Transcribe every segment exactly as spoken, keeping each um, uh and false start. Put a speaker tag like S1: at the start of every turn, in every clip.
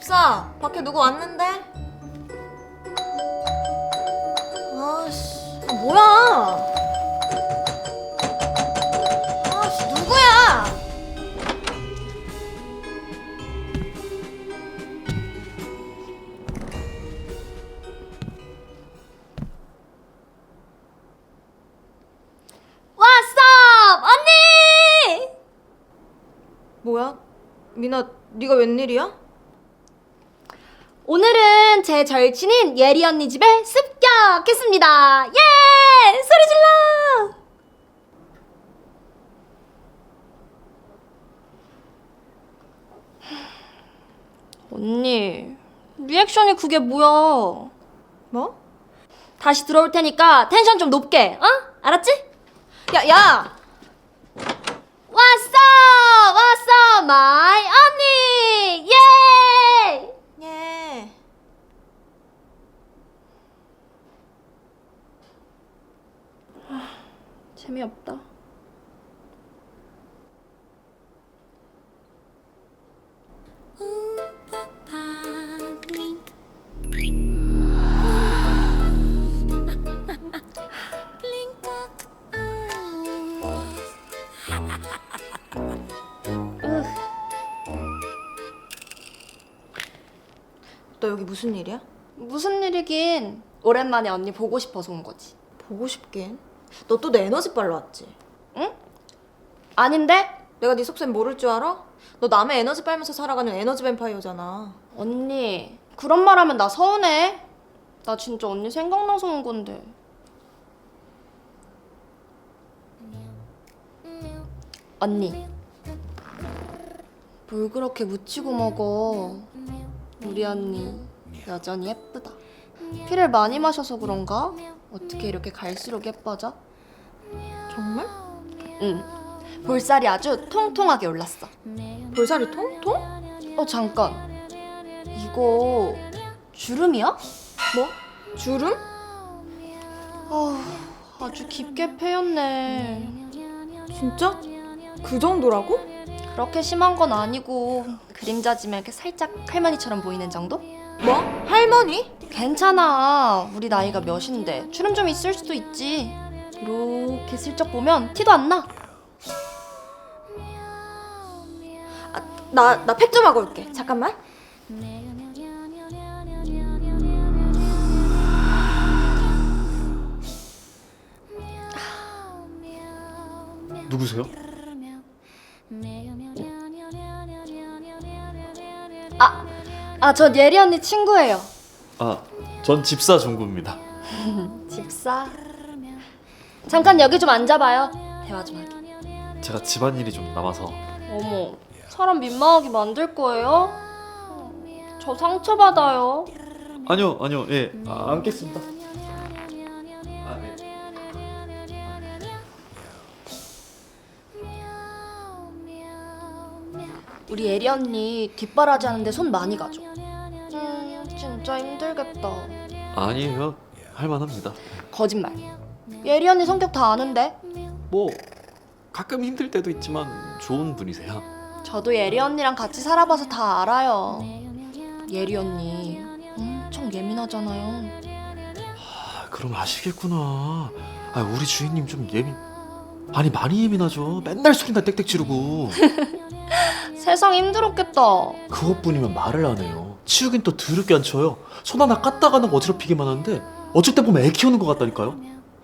S1: 집사, 밖에 누구 왔는데? 아씨, 아, 뭐야? 아씨, 누구야?
S2: 왓썹! 언니!
S1: 뭐야? 미나, 네가 웬일이야?
S2: 오늘은 제 절친인 예리 언니 집에 습격했습니다. 예! 소리 질러! 언니, 리액션이 그게 뭐야?
S1: 뭐?
S2: 다시 들어올 테니까 텐션 좀 높게, 어? 알았지?
S1: 야, 야!
S2: 왓썹! 왓썹! 마이 언니! 예!
S1: 예.
S2: 재미없다.
S1: 너 여기 무슨 일이야?
S2: 무슨 일이긴. 오랜만에 언니 보고 싶어서 온 거지.
S1: 보고 싶긴. 너 또 내 에너지 빨러 왔지?
S2: 응? 아닌데?
S1: 내가 네 속셈 모를 줄 알아? 너 남의 에너지 빨면서 살아가는 에너지 뱀파이어잖아.
S2: 언니, 그런 말 하면 나 서운해. 나 진짜 언니 생각나서 온 건데. 언니, 뭘 그렇게 묻히고 먹어. 우리 언니 여전히 예쁘다. 피를 많이 마셔서 그런가? 어떻게 이렇게 갈수록 예뻐져?
S1: 정말?
S2: 응, 볼살이 아주 통통하게 올랐어.
S1: 볼살이 통통?
S2: 어, 잠깐. 이거 주름이야?
S1: 뭐? 주름?
S2: 아, 아주 깊게 패였네.
S1: 진짜? 그 정도라고?
S2: 그렇게 심한 건 아니고 그림자지면 이렇게 살짝 할머니처럼 보이는 정도?
S1: 뭐? 할머니?
S2: 괜찮아. 우리 나이가 몇인데 주름 좀 있을 수도 있지. 이렇게 슬쩍 보면 티도 안 나.
S1: 아, 나, 나 팩 좀 하고 올게. 잠깐만.
S3: 누구세요?
S2: 아, 아, 저 예리 언니 친구예요.
S3: 아, 전 집사 종구입니다.
S2: 집사. 잠깐 여기 좀 앉아봐요. 대화 좀 하게.
S3: 제가 집안일이 좀 남아서.
S2: 어머, 사람 민망하게 만들 거예요? 저 상처받아요.
S3: 아니요, 아니요, 예, 아, 앉겠습니다. 아, 네.
S2: 우리 예리 언니 뒷바라지 하는데 손 많이 가죠. 음, 진짜 힘들겠다.
S3: 아니에요, 할만합니다.
S2: 거짓말. 예리 언니 성격 다 아는데.
S3: 뭐 가끔 힘들 때도 있지만 좋은 분이세요.
S2: 저도 예리 언니랑 같이 살아봐서 다 알아요. 예리 언니 엄청 예민하잖아요.
S3: 아, 그럼 아시겠구나. 아, 우리 주인님 좀 예민. 아니 많이 예민하죠. 맨날 소리나 땡땡 지르고.
S2: 세상 힘들었겠다.
S3: 그것뿐이면 말을 안 해요. 치우긴 또 더럽게 안 쳐요. 손 하나 깠다가는 어지럽히기만 하는데 어쩔 때 보면 애 키우는 것 같다니까요.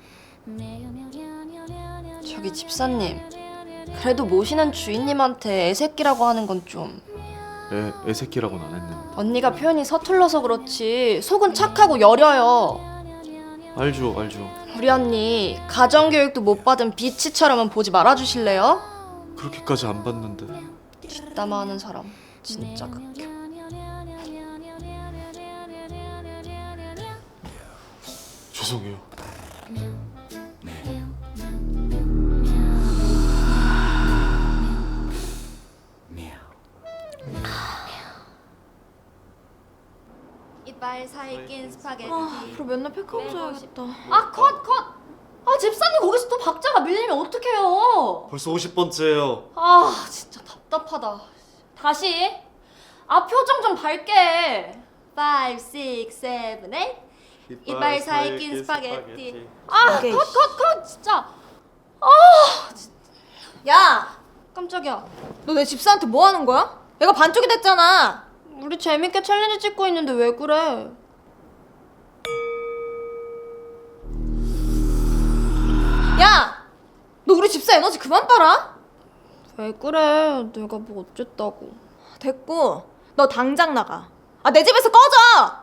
S2: 저기 집사님, 그래도 모시는 주인님한테 애새끼라고 하는 건 좀.
S3: 애, 애새끼라고는 안 했는데.
S2: 언니가 표현이 서툴러서 그렇지 속은 착하고 여려요.
S3: 알죠, 알죠.
S2: 우리 언니 가정교육도 못 받은 비치처럼은 보지 말아주실래요?
S3: 그렇게까지 안 봤는데.
S2: 뒷담화하는 사람 진짜 극혐.
S3: 죄송해요.
S2: 이빨 사이 낀 스파게티.
S1: 아, 앞으로 맨날 팩하고 자야겠다.
S2: 아, 컷, 컷! 아, 집사님 거기서 또 박자가 밀리면 어떡해요?
S3: 벌써 오십 번째예요.
S2: 아, 진짜 답답하다. 다시. 아 표정 좀 밝게 해. five, six, seven, eight. 이빨 사이 낀 스파게티. 아,
S1: 오케이.
S2: 컷, 컷, 컷, 진짜.
S1: 야,
S2: 깜짝이야.
S1: 너 내 집사한테 뭐 하는 거야? 애가 반쪽이 됐잖아.
S2: 우리 재밌게 챌린지 찍고 있는데 왜 그래?
S1: 야, 너 우리 집사 에너지 그만 빨아.
S2: 왜 그래? 내가 뭐 어쨌다고.
S1: 됐고, 너 당장 나가. 아, 내 집에서 꺼져.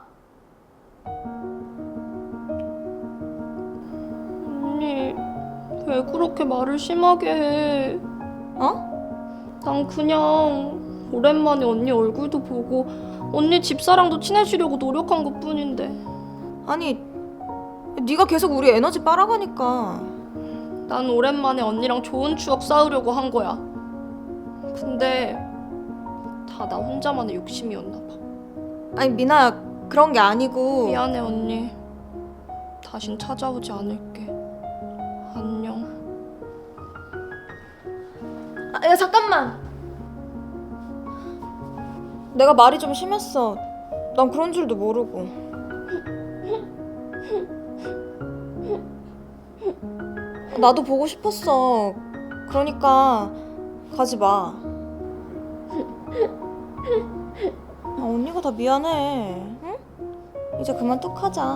S2: 언니, 왜 그렇게 말을 심하게 해?
S1: 어?
S2: 난 그냥 오랜만에 언니 얼굴도 보고 언니 집사랑도 친해지려고 노력한 것뿐인데.
S1: 아니, 네가 계속 우리 에너지 빨아가니까.
S2: 난 오랜만에 언니랑 좋은 추억 쌓으려고 한 거야. 근데 다 나 혼자만의 욕심이었나 봐.
S1: 아니, 미나야, 그런 게 아니고.
S2: 미안해 언니. 다신 찾아오지 않을게. 안녕.
S1: 아, 야, 잠깐만. 내가 말이 좀 심했어. 난 그런 줄도 모르고. 나도 보고 싶었어. 그러니까 가지 마. 아, 언니가 다 미안해. 응? 이제 그만 뚝하자.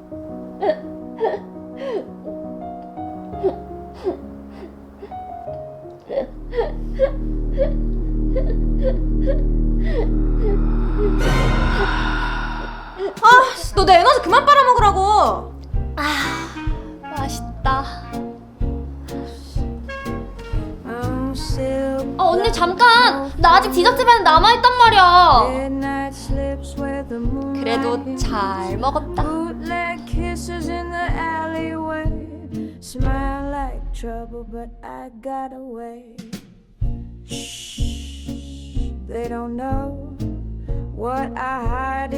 S1: 아, 너 내 에너지 그만 빨아먹으라고.
S2: 맛있다. 아 언니 잠깐! 나 아직 디저트배는 남아있단 말이야. 그래도 잘 먹었다.
S4: Bootleg kisses in the alleyway. Smile like trouble, but I got away. Shh, they don't know what I hide